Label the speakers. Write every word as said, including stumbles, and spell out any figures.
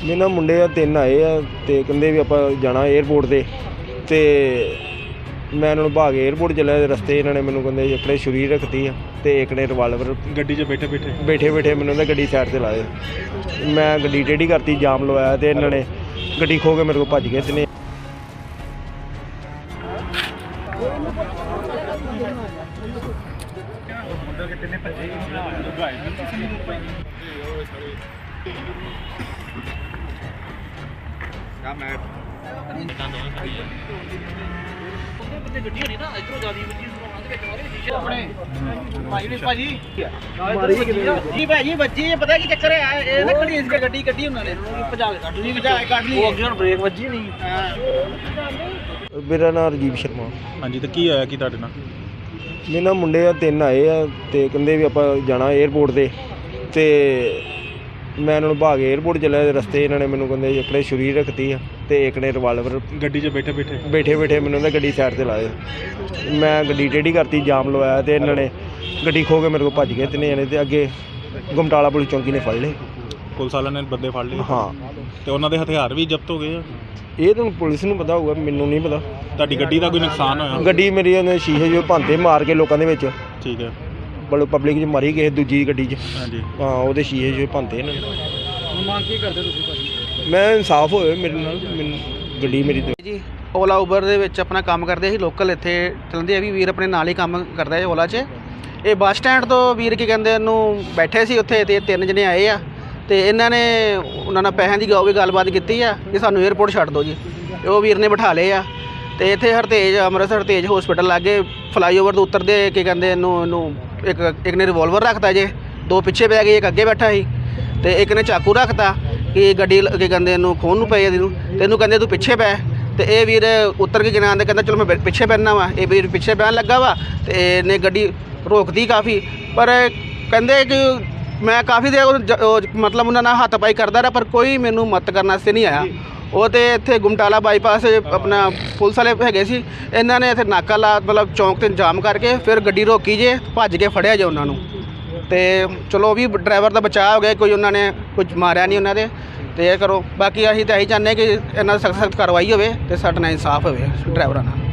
Speaker 1: ਮੇਰੇ ਨਾਲ ਮੁੰਡੇ ਆ ਤਿੰਨ ਆਏ ਆ ਤੇ ਕਹਿੰਦੇ ਵੀ ਆਪਾਂ ਜਾਣਾ ਏਅਰਪੋਰਟ 'ਤੇ ਤੇ ਮੈਂ ਇਹਨਾਂ ਨੂੰ ਭਾਗ ਏਅਰਪੋਰਟ ਚੱਲਿਆ। ਰਸਤੇ ਇਹਨਾਂ ਨੇ ਮੈਨੂੰ ਕਹਿੰਦੇ ਇੱਕ ਨੇ ਛੁਰੀ ਰੱਖਤੀ ਆ ਤੇ ਇੱਕ ਨੇ ਰਿਵਾਲਵਰ
Speaker 2: ਗੱਡੀ 'ਚ ਬੈਠੇ ਬੈਠੇ
Speaker 1: ਬੈਠੇ ਬੈਠੇ ਮੈਨੂੰ ਕਹਿੰਦਾ ਗੱਡੀ ਸਾਈਡ 'ਤੇ ਲਾ ਦੇ। ਮੈਂ ਗੱਡੀ ਟੇਢੀ ਕਰਤੀ, ਜਾਮ ਲਵਾਇਆ ਤੇ ਇਹਨਾਂ ਨੇ ਗੱਡੀ ਖੋਹ ਕੇ ਮੇਰੇ ਕੋਲ ਭੱਜ ਗਏ ਤਿੰਨੇ।
Speaker 3: ਜੀ ਭਾਜੀ ਵੱਜੀ ਪਤਾ ਕੀ ਚੱਕਰ ਹੈ ਇਹ ਨਾ ਖੜੀ ਇਸ ਗੱਡੀ ਕੱਢੀ ਉਹਨਾਂ ਨੇ ਭਜਾ ਕੇ ਕੱਢ ਲਈ ਭਜਾ ਕੇ ਕੱਢ ਲਈ ਉਹ ਅੱਗੇ ਹੁਣ ਬ੍ਰੇਕ ਵੱਜੀ ਨਹੀਂ।
Speaker 1: ਮੇਰਾ ਨਾਮ ਰਾਜੀਵ ਸ਼ਰਮਾ।
Speaker 2: ਹਾਂਜੀ, ਤੇ ਕੀ ਹੋਇਆ ਕੀ ਤੁਹਾਡੇ ਨਾਲ?
Speaker 1: ਮੇਰੇ ਨਾਲ ਮੁੰਡੇ ਆ ਤਿੰਨ ਆਏ ਆ ਤੇ ਕਹਿੰਦੇ ਵੀ ਆਪਾਂ ਜਾਣਾ ਏਅਰਪੋਰਟ 'ਤੇ ਤੇ ਮੈਂ ਇਹਨਾਂ ਨੂੰ ਭਾਗ ਏਅਰਪੋਰਟ ਚੱਲਿਆ। ਰਸਤੇ ਇਹਨਾਂ ਨੇ ਮੈਨੂੰ ਕਹਿੰਦੇ ਇੱਕ ਨੇ ਛੁਰੀ ਰੱਖਤੀ ਆ ਤੇ ਇੱਕ ਨੇ ਰਿਵਾਲਵਰ
Speaker 2: ਗੱਡੀ 'ਚ ਬੈਠੇ ਬੈਠੇ
Speaker 1: ਬੈਠੇ ਬੈਠੇ ਮੈਨੂੰ ਕਹਿੰਦਾ ਗੱਡੀ ਸਾਈਡ 'ਤੇ ਲਾ ਦੇ। ਮੈਂ ਗੱਡੀ ਟੇਢੀ ਕਰਤੀ, ਜਾਮ ਲਵਾਇਆ ਤੇ ਇਹਨਾਂ ਨੇ ਗੱਡੀ ਖੋਹ ਕੇ ਮੇਰੇ ਕੋਲ ਭੱਜ ਗਏ ਤਿੰਨੇ ਜਣੇ ਤੇ ਅੱਗੇ ਗੁਮਟਾਲਾ ਪੁਲਿਸ ਚੌਂਕੀ ਨੇ ਫੜ ਲਏ।
Speaker 2: ਪੁਲਿਸ ਵਾਲਿਆਂ ਨੇ ਬੰਦੇ ਫੜ ਲਏ?
Speaker 1: ਹਾਂ।
Speaker 2: ਤੇ ਉਹਨਾਂ ਦੇ ਹਥਿਆਰ ਵੀ ਜ਼ਬਤ ਹੋ ਗਏ ਆ?
Speaker 1: ਇਹ ਤਾਂ ਪੁਲਿਸ ਨੂੰ ਪਤਾ ਹੋਊਗਾ, ਮੈਨੂੰ ਨਹੀਂ ਪਤਾ।
Speaker 2: ਤੁਹਾਡੀ ਗੱਡੀ ਦਾ ਕੋਈ ਨੁਕਸਾਨ ਹੋਇਆ?
Speaker 1: ਗੱਡੀ ਮੇਰੀ ਉਹਨੇ ਸ਼ੀਸ਼ੇ ਜੋ ਭੰਤੇ ਮਾਰ ਕੇ ਲੋਕਾਂ ਦੇ ਵਿੱਚ,
Speaker 2: ਠੀਕ ਹੈ,
Speaker 1: ਬਲ ਪਬਲਿਕ 'ਚ ਮਾਰੀ ਕਿਸੇ ਦੂਜੀ ਗੱਡੀ 'ਚ।
Speaker 2: ਹਾਂਜੀ
Speaker 1: ਹਾਂ, ਉਹਦੇ ਸ਼ੀਸ਼ੇ ਜੋ ਭੰਤੇ ਇਹਨਾਂ ਨੇ।
Speaker 3: ਮੰਗ ਕੀ ਕਰਦੇ ਤੁਸੀਂ ਭਾਜੀ?
Speaker 1: ਮੈਂ ਇਨਸਾਫ ਹੋਵੇ ਮੇਰੇ ਨਾਲ, ਮੈਨੂੰ ਗੱਡੀ ਮੇਰੀ
Speaker 3: ਜੀ ਓਲਾ ਉਬਰ ਦੇ ਵਿੱਚ ਆਪਣਾ ਕੰਮ ਕਰਦੇ ਸੀ, ਲੋਕਲ ਇੱਥੇ ਚਲਦੇ ਆ ਵੀ ਵੀਰ ਆਪਣੇ ਨਾਲ ਹੀ ਕੰਮ ਕਰਦਾ ਹੈ ਓਲਾ 'ਚ। ਇਹ ਬੱਸ ਸਟੈਂਡ ਤੋਂ ਵੀਰ ਕੀ ਕਹਿੰਦੇ ਇਹਨੂੰ ਬੈਠੇ ਸੀ ਉੱਥੇ ਤੇ ਤਿੰਨ ਜਣੇ ਆਏ ਆ ਤੇ ਇਹਨਾਂ ਨੇ ਉਹਨਾਂ ਨਾਲ ਪੈਸਿਆਂ ਦੀ ਗਾਉ ਵੀ ਗੱਲਬਾਤ ਕੀਤੀ ਆ ਕਿ ਸਾਨੂੰ ਏਅਰਪੋਰਟ ਛੱਡ ਦਿਓ ਜੀ। ਉਹ ਵੀਰ ਨੇ ਬਿਠਾ ਲਏ ਆ ਤੇ ਇੱਥੇ ਹਰਤੇਜ ਅੰਮ੍ਰਿਤਸਰ ਹਰਤੇਜ ਹਸਪੀਟਲ ਲਾਗੇ ਫਲਾਈਓਵਰ ਤੋਂ ਉਤਰਦੇ ਕੀ ਕਹਿੰਦੇ ਇਹਨੂੰ ਇਹਨੂੰ ਇੱਕ ਇੱਕ ਨੇ ਰਿਵੋਲਵਰ ਰੱਖਤਾ ਜੇ, ਦੋ ਪਿੱਛੇ ਪੈ ਗਏ, ਇੱਕ ਅੱਗੇ ਬੈਠਾ ਸੀ ਤੇ ਇੱਕ ਨੇ ਚਾਕੂ ਰੱਖਤਾ ਕਿ ਗੱਡੀ ਕੀ ਕਹਿੰਦੇ ਇਹਨੂੰ ਖੋਹਣ ਨੂੰ ਪਏ ਇਹਨੂੰ ਤੇ ਇਹਨੂੰ ਕਹਿੰਦੇ ਤੂੰ ਪਿੱਛੇ ਪੈ। ਤੇ ਇਹ ਵੀਰ ਉੱਤਰ ਕੇ ਕਿਨਾਂ ਆਂਦੇ ਕਹਿੰਦਾ ਚਲੋ ਮੈਂ ਪਿੱਛੇ ਪੈਣਾ ਵਾ। ਇਹ ਵੀਰ ਪਿੱਛੇ ਪੈਣ ਲੱਗਾ ਵਾ ਤੇ ਇਹਨੇ ਗੱਡੀ ਰੋਕਦੀ ਕਾਫੀ, ਪਰ ਕਹਿੰਦੇ ਕਿ ਮੈਂ ਕਾਫੀ ਦੇਰ ਮਤਲਬ ਉਹਨਾਂ ਨਾਲ ਹੱਥ ਪਾਈ ਕਰਦਾ ਰਿਹਾ ਪਰ ਕੋਈ ਮੈਨੂੰ ਮਦਦ ਕਰਨ ਵਾਸਤੇ ਨਹੀਂ ਆਇਆ। ਉਹ ਤੇ ਇੱਥੇ ਗੁਮਟਾਲਾ ਬਾਈਪਾਸ ਆਪਣਾ ਪੁਲਿਸ ਵਾਲੇ ਹੈਗੇ ਸੀ, ਇਹਨਾਂ ਨੇ ਇੱਥੇ ਨਾਕਾ ਲਾ ਮਤਲਬ ਚੌਂਕ 'ਤੇ ਜਾਮ ਕਰਕੇ ਫਿਰ ਗੱਡੀ ਰੋਕੀ ਜੇ, ਭੱਜ ਕੇ ਫੜਿਆ ਜੇ ਉਹਨਾਂ ਨੂੰ। ਤੇ ਚਲੋ ਵੀ ਡਰਾਈਵਰ ਦਾ ਬਚਾਅ ਹੋ ਗਿਆ, ਕੋਈ ਉਹਨਾਂ ਨੇ ਕੁਝ ਮਾਰਿਆ ਨਹੀਂ ਉਹਨਾਂ ਦੇ। ਤੇ ਇਹ ਕਰੋ, ਬਾਕੀ ਅਸੀਂ ਤਾਂ ਇਹੀ ਚਾਹੁੰਦੇ ਕਿ ਇਹਨਾਂ ਸਖਤ ਸਖਤ ਕਾਰਵਾਈ ਹੋਵੇ ਤੇ ਸਾਡੇ ਨਾਲ ਇਨਸਾਫ ਹੋਵੇ ਡਰਾਈਵਰਾਂ ਨਾਲ।